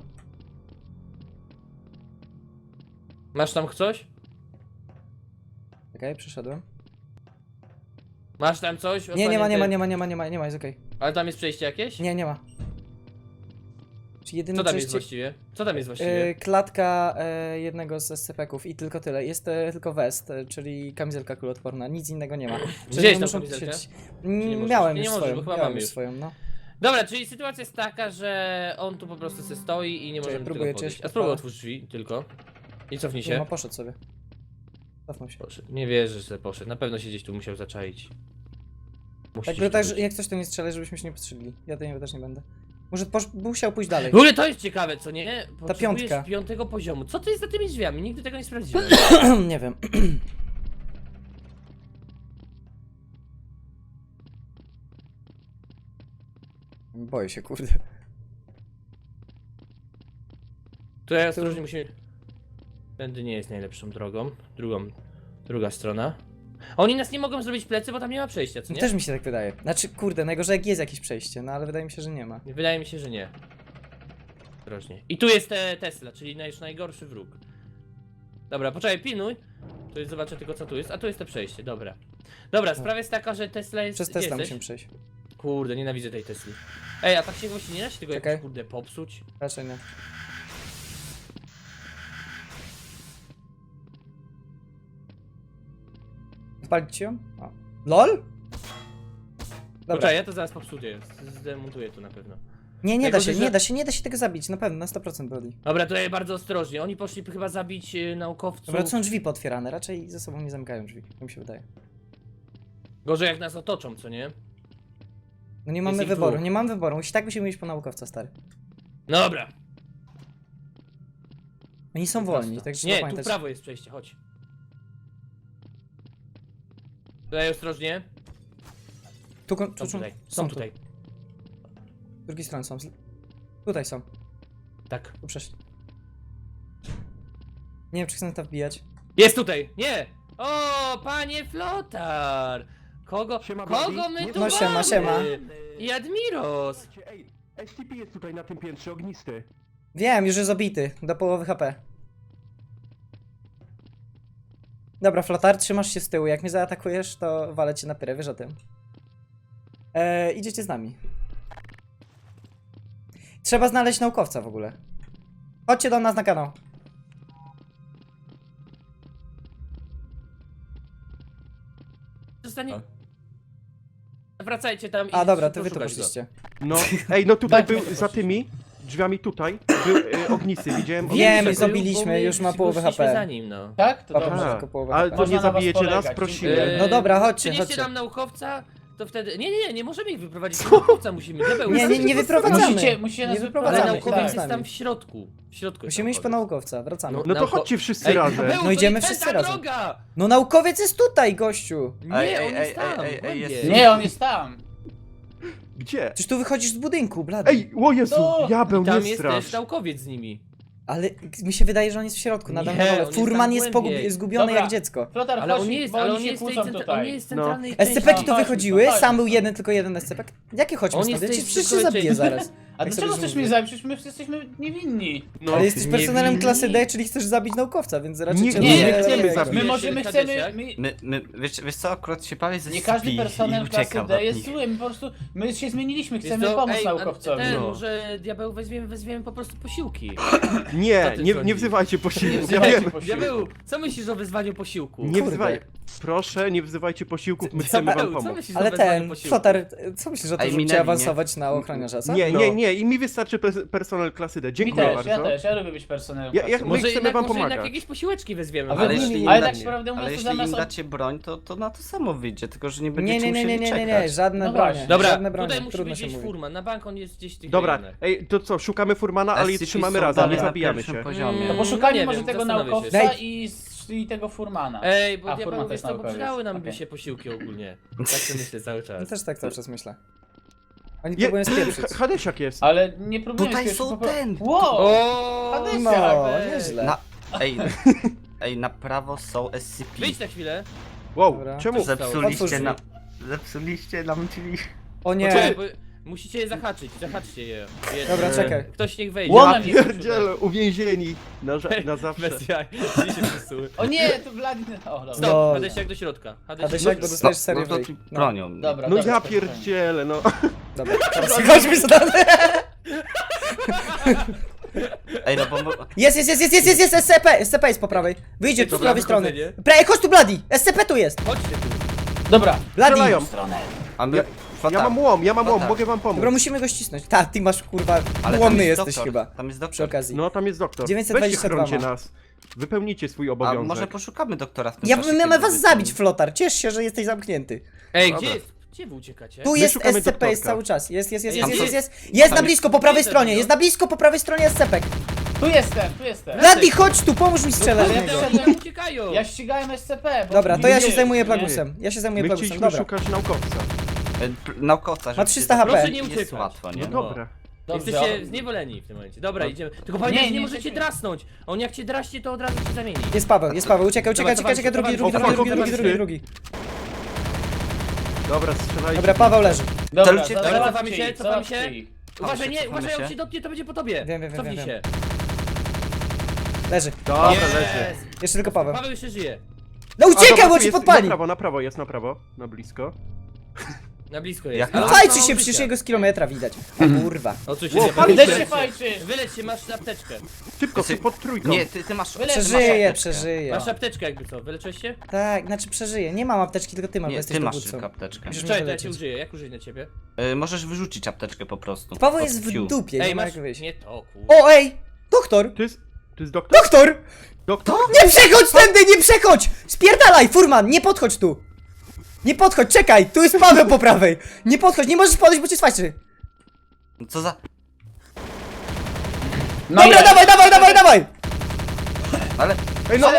S2: Masz tam coś?
S3: Czekaj, przeszedłem.
S2: Masz tam coś?
S3: Nie, nie ma, nie ma,
S2: Osłanięte?
S3: nie ma, nie ma, nie ma, nie ma, jest okej.
S2: Ale tam jest przejście jakieś?
S3: Nie, nie ma. Czy jedyne
S2: Co tam jest
S3: przejście...
S2: właściwie? Co tam jest właściwie?
S3: E, klatka e, jednego z S C P ków i tylko tyle. Jest e, tylko west, e, czyli kamizelka kuloodporna, nic innego nie ma. Czyli
S2: Gdzie
S3: nie
S2: jest ta
S3: muszą
S2: kamizelka?
S3: siedzieć.
S2: nie
S3: Mm,
S2: możesz?
S3: Miałem
S2: Nie
S3: już
S2: możesz,
S3: swoją,
S2: bo chyba
S3: miałem
S2: mamy
S3: już
S2: już.
S3: swoją, no.
S2: Dobra, czyli sytuacja jest taka, że on tu po prostu se stoi i nie
S3: Czekaj,
S2: możemy
S3: próbuję
S2: tego podejść.
S3: cię
S2: A spróbuj
S3: odpalę.
S2: otwórz drzwi tylko. I cofnij
S3: Nie ma,
S2: się.
S3: poszedł sobie. Cofnął się.
S2: Poszedł. Nie wierzę, że poszedł. Na pewno się gdzieś tu musiał zaczaić. Musi
S3: Tak,
S2: się
S3: bo tak,
S2: tu
S3: że
S2: być.
S3: jak coś to nie strzelaj, żebyśmy się nie postrzelili. Ja to nie, też nie będę. Może posz... musiał pójść dalej.
S2: W ogóle to jest ciekawe, co nie? Potrzebujesz
S3: piątka.
S2: piątego poziomu. Co to jest za tymi drzwiami? Nigdy tego nie sprawdziłem.
S3: Nie wiem. Boję się, kurde.
S2: Tutaj ostrożnie musimy... Tędy nie jest najlepszą drogą. Drugą, druga strona. A oni nas nie mogą zrobić plecy, bo tam nie ma przejścia, co
S3: No
S2: nie?
S3: też mi się tak wydaje. Znaczy, kurde, najgorzej jak jest jakieś przejście, no ale wydaje mi się, że nie ma.
S2: Wydaje mi się, że nie. Ostrożnie. I tu jest te Tesla, czyli nasz najgorszy wróg. Dobra, poczekaj, pilnuj. Tu jest, zobaczę tylko co tu jest, a tu jest to przejście, dobra. Dobra, sprawa jest taka, że Tesla jest...
S3: Przez
S2: gdzie
S3: Tesla
S2: jesteś?
S3: musimy przejść.
S2: Kurde, nienawidzę tej Tesli. Ej, a tak się właśnie nie da się tego
S3: Czekaj.
S2: jakoś kurde popsuć?
S3: Raczej nie. Spalić ją? O. LOL? Dobra.
S2: Poczekaj, ja to zaraz popsuję, zdemontuję to na pewno.
S3: Nie, nie
S2: Jako,
S3: da się,
S2: że-
S3: nie da się, nie da się tego zabić, na pewno, na sto procent Brody.
S2: Dobra, tutaj bardzo ostrożnie, oni poszli chyba zabić y, naukowców.
S3: Dobra, to są drzwi pootwierane, raczej ze sobą nie zamykają drzwi, tak mi się wydaje.
S2: Gorzej jak nas otoczą, co nie?
S3: No nie mamy
S2: ich
S3: wyboru,
S2: dwóch.
S3: nie mamy wyboru, musi, tak musimy iść po naukowca, stary.
S2: Dobra.
S3: Oni są wolni, tak trzeba
S2: Nie, tu w
S3: pamiętać.
S2: prawo jest przejście, chodź. Tutaj ostrożnie.
S3: Tu, tu,
S2: Są
S3: tu,
S2: tutaj,
S3: są
S2: są
S3: tu.
S2: tutaj.
S3: Z drugiej strony są. z- Tutaj są,
S2: Tak.
S3: tu przeszli. Nie wiem, czy chcę na to wbijać.
S2: Jest tutaj! Nie! O, panie Flotar! Kogo,
S6: Siema,
S2: kogo
S6: Bobby.
S2: my
S6: Nie
S2: tu
S3: No, siema,
S2: mamy?
S3: siema.
S2: I Admiros!
S6: Ej, S C P jest tutaj na tym piętrze, ognisty.
S3: Wiem, już jest obity, do połowy H P. Dobra, Flotar, trzymasz się z tyłu, jak mnie zaatakujesz, to walę cię na pyrę, wiesz o tym. Eee, idziecie z nami. Trzeba znaleźć naukowca w ogóle. Chodźcie do nas na kanał.
S2: Zostanie... Wracajcie tam i
S3: A dobra, to wy tu
S2: poszukać go.
S3: poszliście.
S6: No, ej, no tutaj
S2: Dajcie
S6: był,
S2: mi to
S6: za
S2: prosić.
S6: tymi drzwiami tutaj, był y, ognisty, widziałem.
S3: Wiem,
S6: ognisty.
S3: i zabiliśmy,
S2: Bo my
S3: już ma połowę H P.
S2: poszliśmy za nim, no.
S7: Tak? To
S3: Dobra,
S7: dobrze.
S6: Aha,
S3: tylko połowę
S6: ale
S3: H P.
S6: to
S7: Można
S6: nie
S7: na was
S6: zabijecie nas,
S7: polegać,
S6: prosimy.
S7: dziękuję.
S3: No dobra, chodźcie,
S2: Przynieście
S3: chodźcie.
S2: nam naukowca, to wtedy... Nie, nie, nie, nie możemy ich wyprowadzić, naukowca musimy. Diabeł,
S3: Nie, nie, nie wyprowadzamy.
S7: Musicie, musicie nas
S3: Nie
S2: Ale
S3: wyprowadzamy.
S7: wyprowadzić,
S2: naukowiec
S3: tak.
S2: jest
S3: z nami.
S2: tam w środku. W środku jest
S3: Musimy iść po
S2: naukowiec.
S3: naukowca, wracamy.
S2: No,
S6: No to
S2: Nauko-
S6: chodźcie wszyscy
S2: Ej,
S6: razem.
S2: Diabeł,
S3: No
S2: to
S3: idziemy
S2: jest
S3: wszyscy
S2: ta
S3: razem.
S2: droga!
S3: No naukowiec jest tutaj, gościu!
S2: Nie,
S4: Ej, ej,
S2: on
S4: ej,
S2: jest tam,
S4: ej, ej,
S2: głębiej.
S4: jest-
S7: Nie, on jest tam.
S6: Gdzie?
S3: Przecież tu wychodzisz z budynku, blady.
S6: Ej, o Jezu,
S7: No,
S6: diabeł,
S2: Tam
S6: nie
S2: jest
S6: strasz.
S2: też naukowiec z nimi.
S3: Ale mi się wydaje, że on jest w środku, na
S2: Nie,
S3: dole.
S2: on jest
S3: Furman
S2: tam
S3: jest,
S2: głębiej.
S3: pogubi- zgubiony
S7: Dobra.
S3: jak dziecko.
S7: Flotar,
S2: Ale
S7: chodź,
S2: on nie jest,
S7: bo
S2: ale
S7: oni
S2: on
S7: się
S2: jest, tej
S7: kłócą
S2: centra-
S7: tutaj.
S2: on nie jest
S6: No.
S2: centralnej
S3: S C P ki
S2: części.
S3: tu
S7: Chodźmy,
S3: wychodziły,
S7: chodźmy
S3: sam był
S7: stąd.
S3: jeden, tylko jeden S C P. Jakie chodźmy
S2: On
S3: stąd?
S2: jest
S3: Ja
S2: tej
S3: cię przecież się
S2: zwykłej
S3: zabiję
S2: części.
S3: zaraz.
S7: A
S3: Jak
S7: dlaczego
S3: sobie
S7: chcesz
S3: mówię.
S7: mnie zabić? Przecież my wszyscy jesteśmy niewinni.
S6: No,
S3: Ale jesteś personelem
S2: niewinni.
S3: klasy D, czyli chcesz zabić naukowca, więc raczej
S6: Nie,
S3: cię
S7: nie,
S6: nie
S7: nie,
S6: chcemy
S3: nie-
S6: zabić.
S7: My
S2: Wiesz,
S7: możemy,
S2: Hadesiak?
S7: chcemy... My,
S4: My, my, wiesz, wiesz co, akurat się bawię ze
S7: nie każdy
S4: Spi
S7: personel
S4: i
S7: klasy
S4: uciekam
S7: D
S4: od
S7: jest
S4: nich.
S7: zły, my po prostu... My się zmieniliśmy,
S2: Wiesz
S7: chcemy
S2: co,
S7: pomóc
S2: ej, a
S7: naukowcowi.
S2: Ten,
S6: No.
S2: może diabeł weźmiemy, weźmiemy po prostu posiłki.
S6: Nie,
S2: Co ty
S6: nie,
S2: sądzisz?
S6: nie wzywajcie posiłków, ja
S7: wzywajcie
S6: wiem.
S7: posiłku.
S2: Diabeł, co myślisz o wyzwaniu posiłku?
S6: Nie
S3: Kurde.
S6: wzywaj. Proszę, nie wzywajcie posiłków, my chcemy
S2: Diabeł,
S6: wam
S2: co
S6: pomóc.
S2: myślisz o
S3: Ale
S2: wezwaniu
S3: ten,
S2: posiłku?
S3: Flotar, co myślisz o tym,
S4: Ej,
S3: żeby cię
S4: minęli,
S3: awansować na ochroniarza, co?
S6: Nie,
S2: No.
S6: nie, nie, i mi wystarczy pe- personel klasy D.
S7: Mi
S6: Dziękuję
S7: też,
S6: bardzo.
S7: ja też, ja lubię być personelem
S6: Ja- ja-
S7: klasy.
S6: My
S2: Może
S6: chcemy
S2: jednak,
S6: wam
S2: może jednak
S6: pomagać.
S2: jakieś posiłeczki weźmiemy.
S7: Ale
S2: ale
S4: jeśli
S2: jeśli
S4: im
S7: Ale
S4: da-
S7: tak prawdę
S4: Ale
S7: mówiąc, to
S4: jeśli
S7: zamiast...
S4: im
S7: od-
S4: dacie broń, to, to na to samo wyjdzie, tylko że nie będziecie
S3: Nie, nie, nie, nie,
S4: musieli
S3: nie, nie,
S4: czekać.
S3: nie, żadne
S7: No
S3: bronie,
S7: właśnie.
S2: Dobra,
S3: żadne bronie,
S2: tutaj musi
S3: trudno
S2: być
S3: się
S2: gdzieś
S3: mówi.
S2: furman, na bank on jest gdzieś w tych
S6: Dobra,
S2: rejonach.
S6: ej, to co, szukamy Furmana, ale
S4: S C P
S6: trzymamy
S4: są
S6: razem, nie
S4: dalej na
S6: zabijamy
S4: pierwszym
S6: się.
S4: poziomie.
S7: To
S2: Mm,
S7: poszukajmy
S2: nie
S7: może
S2: wiem,
S7: tego
S2: zastanowię się.
S7: naukowca
S3: Daj.
S7: i, i tego Furmana.
S2: Ej, bo
S7: A,
S2: diabeł,
S7: Furman
S2: wiesz
S7: też
S2: co, bo
S7: naukowiec.
S2: przydały nam by
S7: Okej.
S2: się posiłki ogólnie. Tak sobie myślę cały czas.
S3: Ja też tak cały czas myślę. Oni
S6: Je-
S3: próbują spieprzyć.
S6: Hadesiak jest.
S7: Ale nie próbuję
S4: Tutaj
S7: spieprzyć,
S4: są
S7: po pro-
S4: ten.
S7: Wow!
S2: O,
S7: Hadesiak,
S3: No,
S2: weź.
S3: nieźle.
S4: Na, ej, ej, na prawo są S C P.
S2: Wyjdź na chwilę.
S6: Wow,
S3: Dobra.
S6: czemu?
S3: Otwórz
S4: Zepsuliście
S3: drzwi.
S4: nam, zepsuliście nam drzwi.
S3: O nie,
S2: Poczekaj, bo musicie je zahaczyć, zahaczcie je. Je-
S3: Dobra, czekaj.
S2: Ktoś niech wejdzie.
S7: Łomem
S6: Ja
S7: jest
S6: pierdzielę, uwięzieni na, ża- na zawsze.
S2: Bez jaj, gdzie się przesuły.
S7: O nie, to Wladimir... O, dobra.
S2: Stop,
S3: Lol.
S2: Hadesiak do środka.
S3: Hadesiak,
S2: Hadesiak,
S3: bo dostajesz
S4: No,
S3: serię
S4: no to
S3: wyjść.
S4: ci
S3: No,
S4: bronią.
S7: Dobra,
S6: No
S7: dobra,
S6: ja
S7: spokojnie.
S6: pierdzielę, no.
S3: dobra, teraz chodźmy stąd.
S4: Ej, no bo... mo-
S3: Jest, jest, jest, jest, jest, jest, jest, S C P, S C P jest po prawej. Wyjdzie tu z
S2: Dobra,
S3: prawej strony.
S2: wychodzenie.
S3: Pra- chodź tu, Bloody, S C P tu jest.
S2: chodźcie tu.
S7: Dobra.
S3: Bloody.
S6: Strzelają.
S4: A my...
S6: Ja-
S4: Flotar,
S6: Ja mam łom, ja mam łom,
S4: Flotar.
S6: mogę wam pomóc.
S3: Dobra, musimy go ścisnąć. Ta, ty masz kurwa,
S4: Ale tam
S3: łomny
S4: jest
S3: jesteś
S4: doktor,
S3: chyba.
S4: Tam jest
S3: Przy
S4: doktor.
S3: okazji.
S6: No tam jest doktor.
S3: dziewięćset
S6: Weźcie,
S3: dwadzieścia dwa
S6: chrońcie
S3: ma.
S6: nas. Wypełnicie swój
S4: A
S6: obowiązek.
S4: może poszukamy doktora w tym
S3: Ja
S4: czasie,
S3: mamy
S4: kiedy
S3: was
S4: wy-
S3: zabić, Flotar. Ciesz się, że jesteś zamknięty.
S2: Ej,
S6: Dobra.
S2: gdzie jest? Gdzie wy uciekacie?
S3: Tu
S6: My
S3: jest
S6: szukamy
S3: S C P, jest
S6: doktorka.
S3: cały czas. Jest, jest, jest,
S2: Tam
S3: jest, jest,
S2: są-
S3: jest. Jest na
S2: tam
S3: blisko,
S2: jest-
S3: po prawej
S2: jest
S3: stronie.
S2: ten,
S3: Jest
S2: no.
S3: na blisko, po prawej stronie S C P.
S7: Tu jestem, tu jestem.
S3: Bloody, chodź tu, pomóż mi strzelać
S7: No,
S3: w
S7: ja
S3: niego.
S7: wszedłem-
S2: Oni uciekają!
S7: Ja ścigałem S C P. bo
S3: Dobra,
S7: nie
S3: to ja się
S7: wiedzieli,
S3: zajmuję
S7: nie?
S3: Plagusem. Ja się zajmuję
S6: My
S3: Plagusem,
S6: chcieliśmy
S3: dobra.
S6: szukać naukowca.
S4: E, p- Naukowca, żeby
S3: trzysta H P.
S2: Proszę nie
S4: jest
S2: uciekać.
S4: łatwo, nie?
S6: No dobra.
S7: Dobrze,
S2: Jesteście
S7: o-
S2: zniewoleni w tym momencie. Dobra, idziemy. Tylko pamiętajcie,
S7: Nie,
S2: nie,
S7: nie
S2: możecie
S7: jesteśmy.
S2: drasnąć. On jak cię draśnie, to od razu cię zamieni.
S3: Jest Paweł, jest Paweł, uciekaj, uciekaj,
S2: Dobra,
S3: uciekaj,
S2: dawajcie,
S3: uciekaj, drugi,
S2: dawajcie,
S3: drugi, drugi,
S6: dawajcie,
S3: drugi, drugi,
S6: dawajcie.
S3: drugi.
S6: Dobra, strzelajcie.
S3: Dobra, Paweł leży.
S7: Dobra,
S4: Celujcie-
S7: za-
S2: Dobra,
S7: załatwcie
S2: cofamy się,
S7: ich,
S2: cofamy
S7: załatwcie
S2: się.
S7: ich.
S2: Uważaj,
S4: się,
S2: nie,
S4: cofamy
S2: uważaj, on
S4: się.
S2: się dotknie, to będzie po tobie.
S3: Wiem, wiem, wiem,
S2: Cofnij
S3: wiem,
S2: się.
S3: Leży.
S6: Dobra,
S2: Yes!
S6: leży.
S3: Jeszcze tylko Paweł.
S2: Paweł jeszcze żyje.
S3: No
S6: A,
S3: uciekaj,
S6: dobra,
S3: bo
S6: tu
S3: ci
S6: jest-
S3: podpali!
S6: Na prawo, na prawo, jest na prawo. Na blisko.
S2: Na blisko jest.
S4: Jak-
S2: Ale
S3: No
S2: on ma
S3: fajcie
S2: mało
S3: się,
S2: życia.
S3: przecież jego z kilometra widać. O kurwa.
S2: O, co się
S6: Ło,
S2: dzieje?
S6: pali
S2: Wyleć
S7: się.
S2: się,
S7: Fajczy.
S2: wyleć się, masz apteczkę.
S6: Szybko,
S4: Jesteś-
S6: pod trójką.
S4: Nie, ty, ty masz...
S7: Wyleć-
S4: ty masz
S3: Przeżyje,
S4: apteczkę.
S3: przeżyje.
S2: Masz apteczkę jakby co, wyleczyłeś się?
S3: Tak, znaczy przeżyje. Nie mam apteczki, tylko ty masz, bo
S4: Nie,
S3: jesteś
S4: ty masz
S3: dowódcą.
S4: tylko apteczkę.
S3: Musisz mnie
S2: Czekaj, to ja cię
S3: wyleczyć.
S2: użyję, jak użyję na ciebie?
S4: Y, możesz wyrzucić apteczkę po prostu.
S3: Paweł
S4: Od
S3: jest w
S4: Q.
S3: dupie,
S2: Ej,
S3: nie ma
S2: masz...
S3: jak wyjść.
S2: Nie to, kur...
S3: O, ej! Doktor!
S6: To jest... To jest doktor?
S3: Doktor!
S6: Doktor?
S3: Nie przechodź tędy, nie przechodź! Spierdalaj, furman, nie podchodź tu! Nie podchodź, czekaj, tu jest Paweł po prawej! Nie podchodź, nie możesz podejść, bo cię swaczy!
S4: Co za...
S7: No
S3: Dobra,
S7: i-
S3: dawaj, dawaj, dawaj, dawaj!
S4: Ale...
S6: Ej, no!
S7: Ale,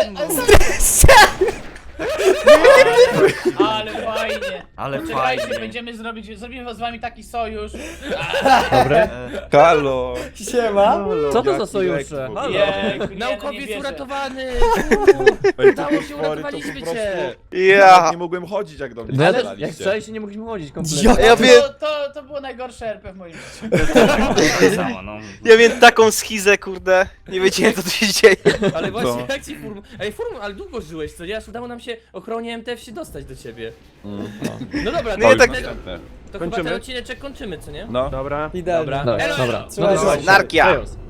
S7: ale fajnie.
S4: Ale
S7: Poczekajcie,
S4: fajnie.
S7: będziemy zrobić, zrobimy z wami taki sojusz.
S6: Dobre.
S5: Halo!
S3: Siema!
S6: Co
S5: to za sojusze?
S7: Jejku, nie, no nie
S2: Naukowiec
S7: wierzę.
S2: uratowany!
S5: Ej,
S2: Udało
S5: te
S2: się,
S5: potwory to
S2: uratowaliśmy
S5: po prostu-
S2: cię!
S5: Ja
S1: Ja!
S5: nie mogłem chodzić jak do mnie
S8: No ja też,
S5: strzelaliście.
S8: jak wczoraj nie mogliśmy chodzić kompletnie.
S3: Ja,
S1: Ja
S7: To,
S1: wiem,
S7: to, to było najgorsze R P w moim życiu.
S4: Tak samo, no.
S1: ja wiem taką schizę, kurde. Nie wiedziałem co tu się dzieje.
S2: Ale właśnie,
S5: Co?
S2: jak ci furm... Ej, furm, ale długo żyłeś, co nie? Aż udało nam się ochronie M T F się dostać do ciebie. No dobra,
S1: No
S2: to,
S1: ja
S2: to,
S1: tak-
S5: Następne.
S2: to chyba
S6: Kończymy?
S2: ten odcineczek kończymy, co nie?
S5: No.
S6: Dobra.
S3: Idealnie.
S2: Dobra.
S8: Dobra,
S2: Elo,
S8: dobra.
S2: elo.
S3: Słuchaj,
S8: No to
S3: słuchaj.
S1: Narkia!
S8: Chaos.